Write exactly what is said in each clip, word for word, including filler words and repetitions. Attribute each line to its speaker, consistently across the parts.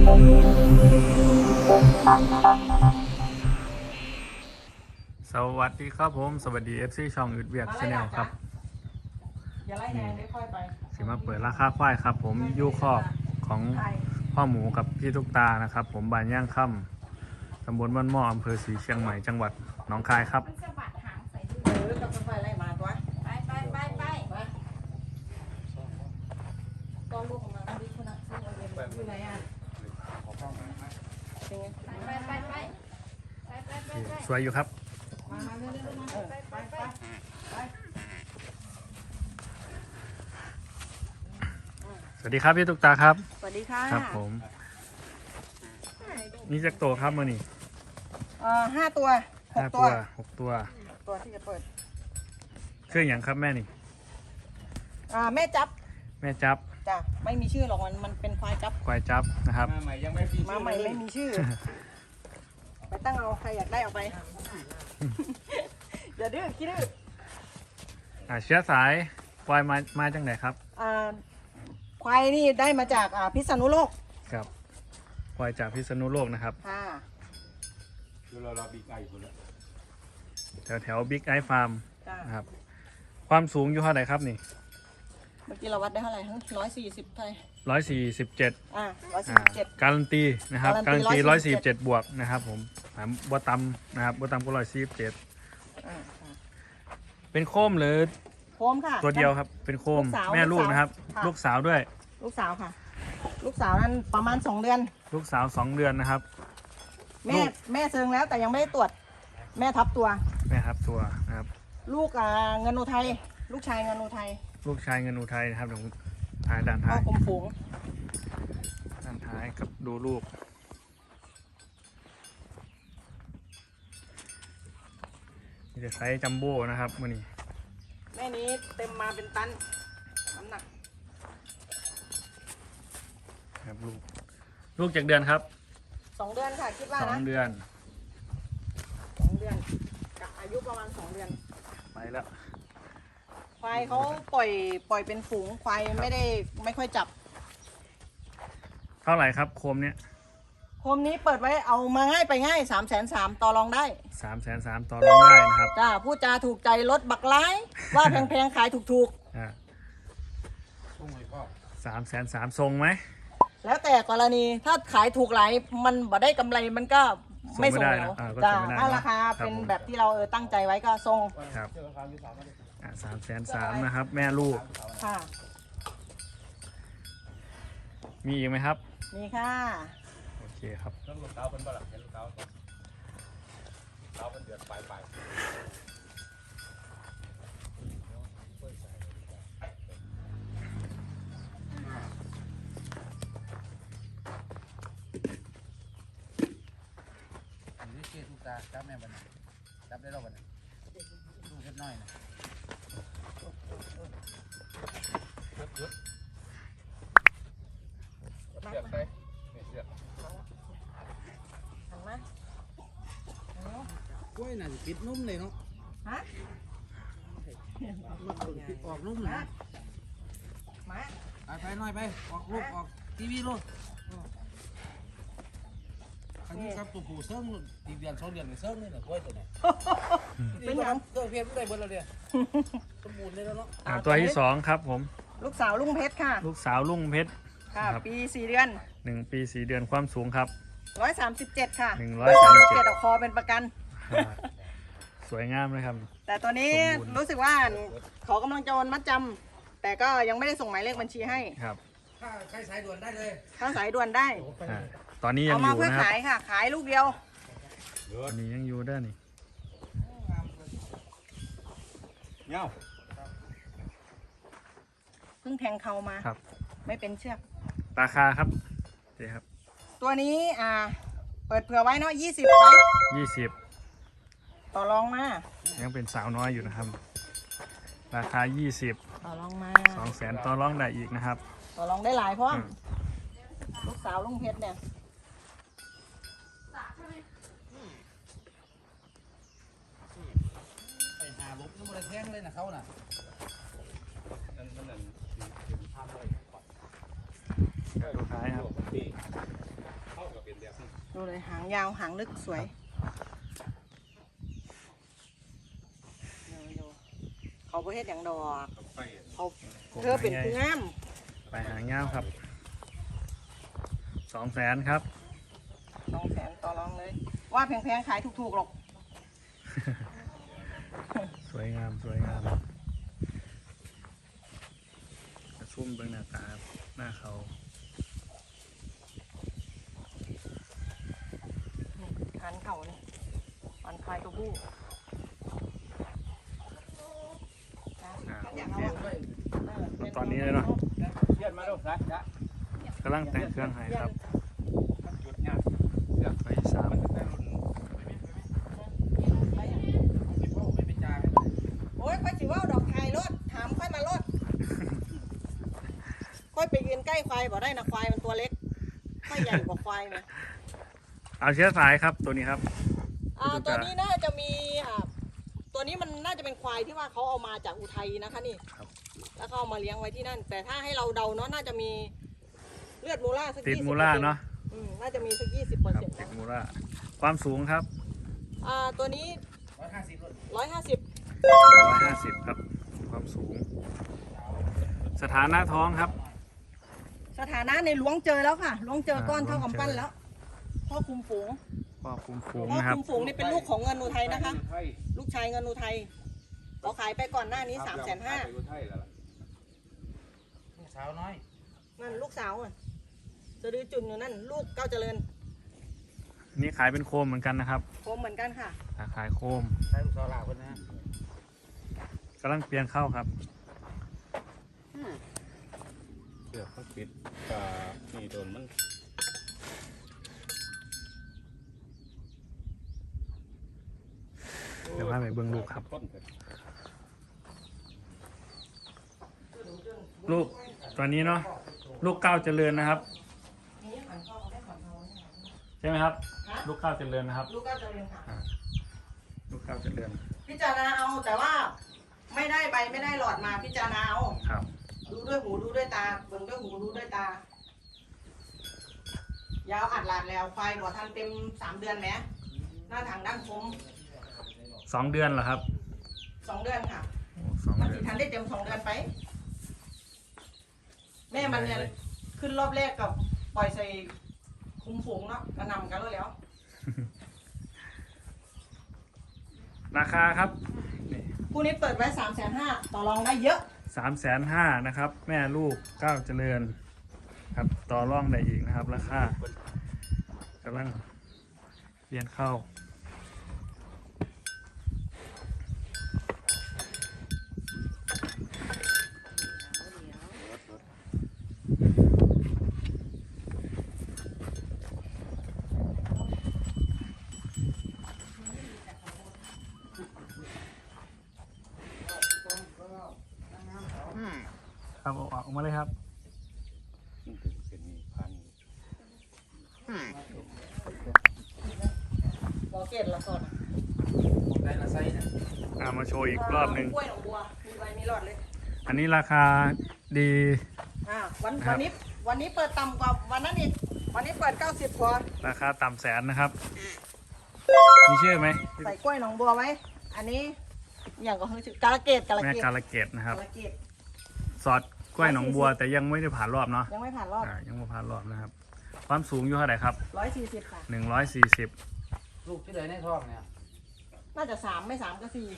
Speaker 1: สวัสดีครับผมสวัสดี เอฟ ซี ช่องอึดเวียกชาแนลครับนี่สิมาเปิดราคาควายครับผมยูคอกของพ่อหมูกับพี่ทุกตานะครับผมบ้านย่างค่ำตำบลบ้านหม้ออำเภอศรีเชียงใหม่จังหวัดหนองคายครับ
Speaker 2: เออกับไฟไล่มาตัวไปไปไปไปตอนลูกของมันดิคุณนักซื้อเงินอยู่ไหนอ่ะไปไปไปไป
Speaker 1: สวยอยู่ครับ
Speaker 2: ไปไปไป
Speaker 1: สวัสดีครับพี่ทุกตาครับ
Speaker 2: สวัสดีค่ะ
Speaker 1: ครับผมนี่จักโตครับมื่อนี้
Speaker 2: เอ่อห้าตัวหก
Speaker 1: ห้า
Speaker 2: ตั
Speaker 1: ตัว วหกตัว
Speaker 2: ตัวที่จะเปิด
Speaker 1: เครื่องอย่างครับแม่นี่
Speaker 2: อ่าแม่จับ
Speaker 1: แม่จับ
Speaker 2: จ้ะไม่มีชื่อหรอกมันมันเป็นควายจับ
Speaker 1: ควายจับนะครับ
Speaker 3: มาใหม่ยังไม่มี
Speaker 2: มาใหม่ไม่มีชื่อไปตั้งเอาใครอยากได้เอาไปอย่าดื้อคิดดื้อ
Speaker 1: อ่าเชื้อสายควายมามาจังไหนครับ
Speaker 2: อ่าควายนี่ได้มาจากอ่าพิษณุโลก
Speaker 1: ครับควายจากพิษณุโลกนะครับ
Speaker 2: ค่ะ
Speaker 3: คือเราเราบีไก่คนละ
Speaker 1: แถวแถวบิ๊กไอฟาร์ม
Speaker 2: จ้ะ
Speaker 1: นะครับความสูงอยู่เท่าไหร่ครับนี่
Speaker 2: เมื่อกี้เราวัดได้เท่าไหร่ร้อยสี่สิบไทย
Speaker 1: ร้อยสี่สิบเจ็ด
Speaker 2: อ่าร้อยสี่
Speaker 1: อ่า
Speaker 2: สิบเจ็ด
Speaker 1: การันตีนะครับการันตี
Speaker 2: การั
Speaker 1: ร้อน ย
Speaker 2: ตี
Speaker 1: สี่สิบเจ็ดบวกนะครับผมอ่าบัวตำนะครับบัวตำก็ร้อยสี่สิบเจ็ด
Speaker 2: อ่า
Speaker 1: เป็นโคมหรือ
Speaker 2: โคมค่ะ
Speaker 1: ตัวเดียวครับเป็นโคม
Speaker 2: ลูกสาว
Speaker 1: แม่ลูกนะครับ
Speaker 2: ค่ะ
Speaker 1: ลูกสาวด้วย
Speaker 2: ลูกสาวค่ะ ลูกสาวนั้นประมาณสองเดือน
Speaker 1: ลูกสาวสองเดือนนะครับ
Speaker 2: แม่
Speaker 1: ลูก
Speaker 2: แม่เซิงแล้วแต่ยังไม่ได้ตรวจ แม่ทับตัว
Speaker 1: แม่ครับตัวนะครับ
Speaker 2: ลูกอ่าเงินอุทัยลูกชายเงินอุทัย
Speaker 1: ลูกชายเงินอุทัยนะครับเดี๋ยวผมถ่ายด้าน
Speaker 2: พ่อ
Speaker 1: ท้าย
Speaker 2: กลมฝูง
Speaker 1: ด้านท้ายกับดูลูกนี่จะไซส์จัมโบ้นะครับมื่อนี้
Speaker 2: แม่นี้เต็มมาเป็นตันน้ำหนัก
Speaker 1: ครับลูกลูกจากเดือนครับ
Speaker 2: สองเดือนค่ะคิดว่า
Speaker 1: สอง
Speaker 2: นะ
Speaker 1: เดือน
Speaker 2: สองเดือนกับอายุประมาณสองเดือน
Speaker 1: ไปแล้ว
Speaker 2: ควายเขาปล่อยปล่อยเป็นฝูงควายไม่ได้ไม่ค่อยจับ
Speaker 1: เท่าไหร่ครับโคมเนี้ย
Speaker 2: โคมนี้เปิดไว้เอามาง่ายไปง่ายสามแสนสามต่อรองได้
Speaker 1: สามแสนสามต่อรองได้นะครับ
Speaker 2: จ้าพูดจาถูกใจลดบักร้าย ว่าแพงๆขายถูก
Speaker 1: อ่า
Speaker 3: พุ่งเลยพ่อ
Speaker 1: สามแสนสามทรงไหม
Speaker 2: ๆ แล้วแต่กรณีถ้าขายถูกหลายมันบ่ได้กำไรมันก็ไม่ส่งแล้วจ้าถ้าราคาเป็นแบบที่เราเออตั้งใจไว้ก็ส่ง
Speaker 1: ครับอ่าสามแสนสามนะครับ แม่ลูก
Speaker 2: ค่ะ
Speaker 1: มีอีกไหมครับ
Speaker 2: นี่ค่ะ
Speaker 1: โอเคครับ
Speaker 3: ต้องลูกเต้าเป็นบ่ล่ะเป็นลูกเต้าเต้าเป็นเดือดปลายปลายนี่เกทุกตาจับแม่บันจับได้รอบบันลูกเล็กน้อยนะเสียบไปเสียบ
Speaker 2: หันมา
Speaker 3: กล้วยน่ะสิปิดนุ่มเลยเนาะ
Speaker 2: ฮะ
Speaker 3: มันปิดออกนุ่มนะ
Speaker 2: มา
Speaker 3: ไปไปหน่อยไปออกลูกออกทีวีลูกอันนี้ครับตัวผู้เซิร์งตีเดือนสองเดือนเซิร์งนี่แหละกล้วยตัวนี้
Speaker 2: เป็นยัง
Speaker 3: เครื่องเพียรได้เบิดแล้วเนี่ยสมบูรณ์เลยแล้วเนาะ
Speaker 1: อ่าตัวที่สองครับผม
Speaker 2: ลูกสาวลุงเพชรค่ะ
Speaker 1: ลูกสาวลุงเพชร
Speaker 2: ค่ะ
Speaker 1: ครับ
Speaker 2: ปีสี่เดือน
Speaker 1: หนึ่งปีสี่เดือนความสูงครับ
Speaker 2: ร้อยสามสิบเจ็ดค่ะ
Speaker 1: หนึ่งร้อยสามสิบเจ็ด
Speaker 2: เอาคอเป็นประกัน
Speaker 1: อ่าสวยงามเลยครับ
Speaker 2: แต่ตัวนี้
Speaker 1: สมบูรณ์
Speaker 2: รู้สึกว่าเขากำลังจะโอนมัดจำแต่ก็ยังไม่ได้ส่งหมายเลขบัญชีให้
Speaker 1: ครับ
Speaker 3: ถ้าใครสายด่วนได้เลย
Speaker 2: ถ้าสายด่วนได้
Speaker 1: อ่าตอนนี้ยั
Speaker 2: เอา
Speaker 1: งอ
Speaker 2: มา
Speaker 1: ยู่
Speaker 2: เพื่อ
Speaker 1: นะครับ
Speaker 2: ขายค่ะ ขายลูกเดียว
Speaker 1: ตอนนี้ยังอยู่ได้นี่
Speaker 3: เงา
Speaker 2: เพิ่งแทงเขามา
Speaker 1: ครับ
Speaker 2: ไม่เป็นเชือก
Speaker 1: ราคาครับเจ๊ครับ
Speaker 2: ตัวนี้อ่า เปิดเผื่อไว้เนาะยี่สิบไว้
Speaker 1: ยี่สิบ
Speaker 2: ต่อรองมา
Speaker 1: ยังเป็นสาวน้อยอยู่นะครับ ราคายี่สิบ
Speaker 2: ต่อรองมา
Speaker 1: สองแสนต่อรองได้อีกนะครับ
Speaker 2: ต่อรองได้หลายเพราะ
Speaker 1: อืม
Speaker 2: ลูกสาวลุงเพชรเนี่ย
Speaker 3: ไปหาลุกยังไม่ได้แทงเลยนะเขาน่ะนั่นนั่นนั่นทำเลย
Speaker 1: ลูกค้าครับ
Speaker 2: ดูเลยหางยาวหางลึกสวยดูๆเขาประเทศอย่างดอกเขาเธอเป็นผู้งาม
Speaker 1: ไปหางเงาครับสองแสนครับ
Speaker 2: สองแสนต่อรองเลย ว่าแพงๆขายถูกๆหรอก
Speaker 1: สวยงามสวยงามชุ่มเบื้องหน้าตาหน้าเขา
Speaker 2: หันเข่าเนี่ยหันคลายตัวผู้
Speaker 1: อ่าโอเคตอนนี้เลยเนาะ
Speaker 3: เชื่อมาลูกนะจ๊ะ
Speaker 1: กำลังแต่งเครื่องให้ครับ
Speaker 3: จุดเนี่ยเสือก
Speaker 1: ไปสาม
Speaker 3: มันเป็นรุ่นสิบหกไม่เป็นจ่า
Speaker 2: โอ้ยค่อยสิว่าดอกไทยรถถามค่อยมารถ ค่อยไปยืนใกล้ควายบอกได้นะควายมันตัวเล็กค่อยใหญ่กว่าควายไหม
Speaker 1: เอาเชื้อสายครับตัวนี้ครับ
Speaker 2: อ่าตัวนี้น่าจะมีอ่าตัวนี้มันน่าจะเป็นควายที่ว่าเขาเอามาจากอุทัยนะคะนี่
Speaker 1: ครับ
Speaker 2: แล้วเขาเอามาเลี้ยงไว้ที่นั่น แต่ถ้าให้เราเดาเนาะน่าจะมีเลือดมูล่าสัก
Speaker 1: ติด
Speaker 2: ยี่สิบ
Speaker 1: มูล่าเนาะ
Speaker 2: อืมน่าจะมีสักยี่สิบเปอร์
Speaker 1: ครับ
Speaker 2: เซ็นต์
Speaker 1: ติดมูล่าความสูงครับ
Speaker 2: อ่าตัวนี้
Speaker 3: ร้อยห้าสิบรุ่น
Speaker 2: ร้อยห้าสิบ
Speaker 1: ร้อยห้าสิบครับ ความสูง สถานะท้องครับ
Speaker 2: สถานะในล้วงเจอแล้วค่ะล้วงเจอก้อน
Speaker 1: อ่า
Speaker 2: เท่า
Speaker 1: ล้วง
Speaker 2: กำ
Speaker 1: เจอ
Speaker 2: ปั้นแล้วพ่อคุมฝูง
Speaker 1: พ่อคุมฝูง
Speaker 2: พ่อ
Speaker 1: นะครับ
Speaker 2: คุมฝูงนี่เป็นลูกของเงินอุทัยนะคะ
Speaker 3: ไทย
Speaker 2: ลูกชายเงินอุทัยเขาขายไปก่อนหน้านี้สามแสนห้า
Speaker 3: ไทยแล้วล่ะลูกสาวน้อย
Speaker 2: นั่นลูกสาวอ่ะจะดื้อจุนอยู่นั่นลูกเก้าเจริญ
Speaker 1: นี่ขายเป็นโคมเหมือนกันนะครับ
Speaker 2: โคมเหมือนกันค่ะ
Speaker 1: อ่าขายโคม
Speaker 3: ใช่ลูกสาวหลาคนนะ
Speaker 1: กำลังเปลี่ยนเข้าครับ
Speaker 4: เสือกเขาปิดกานี่โดนมัน
Speaker 1: เดี๋ยวพาไปเบื้องลูกครับ
Speaker 4: ต้นเกิด
Speaker 1: ลูกตัวนี้เนาะลูกเก้าเจริญนะครับ ใช่ไหมครับ ลูกเก้าเจริญนะครับ
Speaker 2: ลูกเก้าเจริญค่ะ
Speaker 1: อ่าลูกเก้าเจริญ
Speaker 2: พิจารณาเอาแต่ว่าไม่ได้ใบไม่ได้หลอดมาพิจารณาเอา
Speaker 1: ครับ
Speaker 2: ดูด้วยหูดูด้วยตาเบิ่งด้วยหูดูด้วยตา ยาวอัดหลาดแล้วควายบ่ทันเต็มสามเดือนไหมหน้าทางด้านคม
Speaker 1: สองเดือนเหรอครับ
Speaker 2: สองเดือนค่ะ
Speaker 1: โอ้สอง
Speaker 2: มัน
Speaker 1: เดื
Speaker 2: สิ
Speaker 1: อน
Speaker 2: ทันได้เต็มสองเดือนไป แม่มันเนี่ยขึ้นรอบแรกกับปล่อยใส่คุมฝูงเนาะกระหนำกันแล้วแล้ว
Speaker 1: ราคาครับนี่
Speaker 2: คู่นี้เปิดไว้สามแสนห้าต่อรองได้เยอะ
Speaker 1: สามแสนห้านะครับ แม่ลูกเก้าเจริญครับต่อร่องได้อีกนะครับ ราคากำลังเปลี่ยนเข้า ครับเอาออกมาเลยครับ
Speaker 4: มันถึงเส้นนี้พัน
Speaker 2: บอเกตละสด
Speaker 3: ได้ละไซส์นะ
Speaker 1: อ่ามาโชว์อีกรอบหนึ่ง
Speaker 2: กล้วยหนองบัวมีใบมีหลอดเลย
Speaker 1: อันนี้ราคาดี
Speaker 2: อ่าวัน
Speaker 1: ครั
Speaker 2: วั
Speaker 1: บ
Speaker 2: นนี้วันนี้เปิดต่ำกว่าวันนั้นอีกวันนี้เปิดเก้าสิบพอ
Speaker 1: ราคาต่ำแสนนะครับ มีชื่อไหม
Speaker 2: ใส่กล้วยหนองบัวไว้ อันนี้อย่างก็คือกาลเกตกาล
Speaker 1: แม่
Speaker 2: เกต
Speaker 1: กาลเกตนะครับ
Speaker 2: กาลเกต
Speaker 1: สอดกล้วยหนองบัวแต่ยังไม่ได้ผ่านรอบเนาะ
Speaker 2: ยังไม่ผ่านรอบ
Speaker 1: อ่ายังไม่ผ่านรอบนะครับ ความสูงอยู่เท่าไหร่ครับ
Speaker 2: ร้อยสี่สิบค่ะ
Speaker 1: หนึ่งร้อยสี่สิบ
Speaker 3: ลูกที่ไหนในท้องเนี่ย
Speaker 2: น่าจะสามไม่สามก็สี่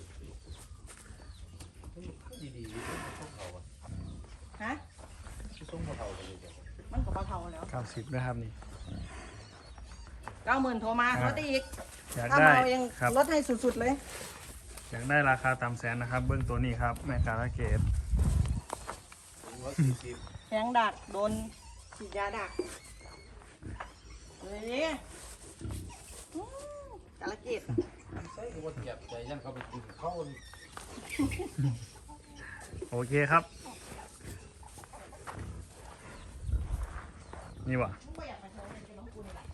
Speaker 3: ดีๆพวกเขาอะ
Speaker 2: ฮะ
Speaker 3: ที่ส่งพวกเขาไปเลยเดี๋ยว
Speaker 2: มันก็เท่าแล้ว
Speaker 1: เก้าสิบนะครับนี่
Speaker 2: เก้าหมื่นโทรมา
Speaker 1: ครับ
Speaker 2: ลดได้อีก
Speaker 1: อยาก
Speaker 2: ถ้า
Speaker 1: ได้
Speaker 2: มาเอาเอง
Speaker 1: ครับ
Speaker 2: ลดให้สุดๆเลย
Speaker 1: อยากได้ราคาต่ำแสนนะครับ เบื้องตัวนี้ครับ แม่กาลเกต
Speaker 3: ร้อยสี่สิบ
Speaker 2: แทงดักโดนฉีดยาดักเฮ้ยอืมกาลเกต
Speaker 3: ใส่หัวเจ็บใจยันเขาไปกินเขา
Speaker 1: โอเคครับ นี่วะ
Speaker 2: ไม่อยากไปโชว์เลยเป็นน้องกูนี่แหละ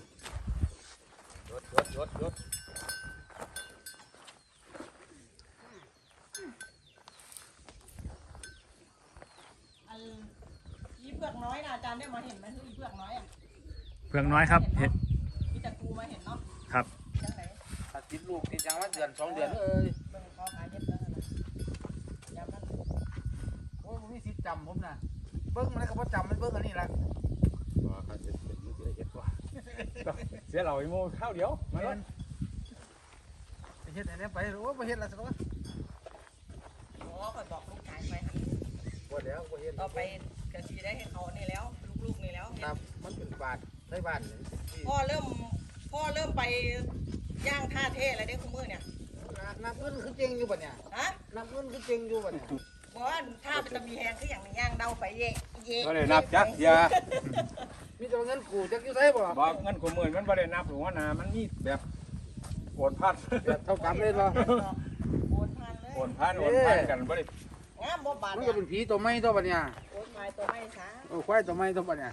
Speaker 3: ยดยดยดยด
Speaker 2: ผือกน้อยนะอาจารย์ได้มาเห็นไหมฮึ่งเผือกน้อยอ่ะ
Speaker 1: เพื่องน้อยครับเห็ด
Speaker 2: มีแต่กูมาเห็นเนาะ
Speaker 1: ครับ
Speaker 2: จังไหน
Speaker 3: ถ้าติดลูกติดยังว่าเดือนสองเดือนเอ้ย
Speaker 2: เบิ่งเขาขายเห็ดแล้วนะยามนั้น
Speaker 3: โอ้ยผมมีสิทธิ์จำผมนะเบิ้งมันก็บ่จำมันเบิ้งอันนี้ละ
Speaker 4: ว่าเขาจะเป็นมือเสียเอ็ดว่ะเสียเหล่าอีโมข้าวเดียวมาแล้ว
Speaker 3: ไปเฮ็ดอันนี้ไปโอ้ยไปเฮ็ดละสิวะ
Speaker 2: อ๋อคอยบอกลูกชายไป
Speaker 3: บ่แล้วบ่เฮ็ด
Speaker 2: ก็ไปกระชีได้ให้เขานี่แล้ว ลูกๆนี่แล้ว
Speaker 3: ครับมันเป็นบาทไทยบ้านนี่ที่
Speaker 2: พ่อเริ่มพ่อเริ่มไปย่างท่าเทอะไรได้คุณมือเนี่ย
Speaker 3: น้ำเงินคือเจงอยู่บ่เนี่ย
Speaker 2: ฮะ
Speaker 3: น้ำเงินคือเจงอยู่บ่เนี่ย
Speaker 2: บอกว่าท่ามันจะมีแหงคืออย่างนี้ย่างเดาไปเยะเยะ
Speaker 4: ก็เลยนับจักยา
Speaker 3: มีแต่ว่าเงินกูจักอยู่ไสบ่
Speaker 4: บอกเงินกูหมื่นมันบ่ได้นับหรือว่านามันมีแบบโอนพัน
Speaker 3: แบบเท่ากันเลยบ่
Speaker 2: โอนผ่านเลย
Speaker 4: โอนพันโอนพันกันบ่ได้
Speaker 2: งามบ่บาด
Speaker 3: มัน
Speaker 2: เนี่
Speaker 3: ก็
Speaker 2: ย
Speaker 3: เป็นผีตัวใหม่ตัวบ่เนี่ย
Speaker 2: โอนพายตัวไม่ช้า
Speaker 3: โอ้ควายตัวใหม่ตัวบ่เนี่ย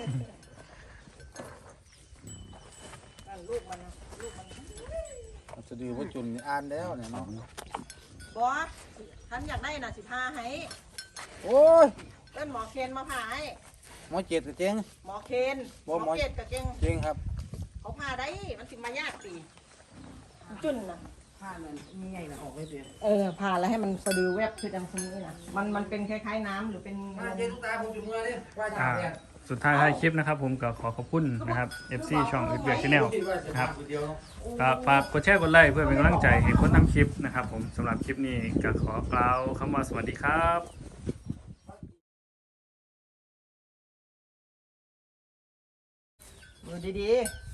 Speaker 2: นั่นลูกมันนะลูกมัน
Speaker 3: มันจะดีว่าจุนอ่านแล้วเนี่ยเนาะ
Speaker 2: บอสฉันอยากได้น่ะสิพาให้
Speaker 3: โอ้ย
Speaker 2: เล่นหมอเคนมาพาให้
Speaker 3: หมอเจ็ดก็เจ๊ง
Speaker 2: หมอเคนหม
Speaker 3: บ่
Speaker 2: อ
Speaker 3: หมอ
Speaker 2: เกตกับเก่ง
Speaker 3: เจ๊งครับ
Speaker 2: เขาพาได้มันสิมายากสิจุนน่ะ
Speaker 3: ผ้ามันมีไงนะออกไม่เสีย
Speaker 2: เออพาแล้วให้มันสะดือแวบคือดังคนนี้น่ะมันมันเป็นคล้ายๆน้ำหรือเป็น
Speaker 3: มาเจ๊ลูกตาผมอยู่เมื่อนี่ว่าจะ
Speaker 1: อ่า
Speaker 3: เนี่ย
Speaker 1: สุดท้ายท้ายคลิปนะครับผมก็ขอขอบคุณนะครับ เอฟ ซี ช่องอึดเบียกชาแนลนะครับก็ฝากกดแชร์กดไลค์เพื่อเป็นกำลังใจให้คนทำคลิปนะครับผมสำหรับคลิปนี้ก็ขอกล่าวคำว่าสวัสดีครับ
Speaker 2: อยู่ดี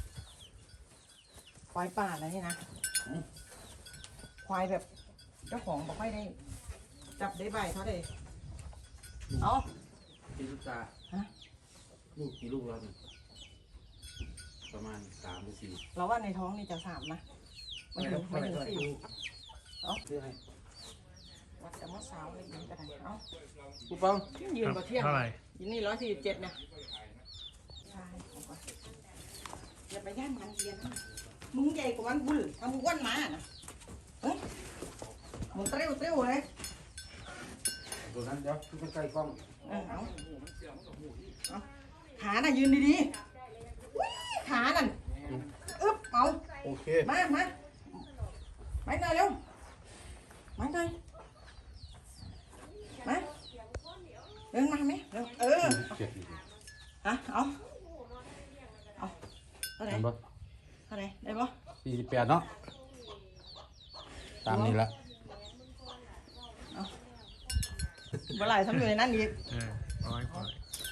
Speaker 2: ๆควายป่าอะไรนี่นะควายแบบเจ้าของบอกไม่ได้ จับได้ใบเขาได้เอา
Speaker 3: กี่ลูกตา
Speaker 2: ฮะ
Speaker 3: ลูกกี่ลูกแล้วนี่ประมาณสามหรือสี่
Speaker 2: เราว่าในท้องนี่จะสามนะไม่ถึงไม่ถึงสี่เอา
Speaker 3: ซื้อให้
Speaker 2: วัดแต่เมื่อเช้าเลยยินก็ได้เอา
Speaker 3: กูเปัง
Speaker 2: ยืนกว่าเที่ยง
Speaker 1: เท่าไหร่
Speaker 2: ยินนี่ร้อยสี่สิบเจ็ดนะใช่เอาก่อนอย่าไปย่านมันเยียนนะมึงใหญ่กว่ามันบุญทำมึงอ้วนมานะเฮ้ยมึงเตรี้ยวเตรี้ยวเลย
Speaker 3: ตัวนั้นเดี๋ยวคือใกล้กล้อง
Speaker 2: เออเอาเอาขาน่ะยืนดีๆอุ๊ยขานั่นอึ๊บเอา
Speaker 3: โอเค
Speaker 2: มามาไปหน่อยเร็วมาหน่อยมาเดินมาไหมเร็วเออฮะเอาเอาเท่าไหร่
Speaker 3: เห็นปะ
Speaker 2: เท่าไหร่ได้ปะ
Speaker 3: สี่สิบแปดเนาะตามนี้ละ
Speaker 2: เมื่อไหร่ทำอยู่ในนั้นอีก
Speaker 1: เออร้อยร้อย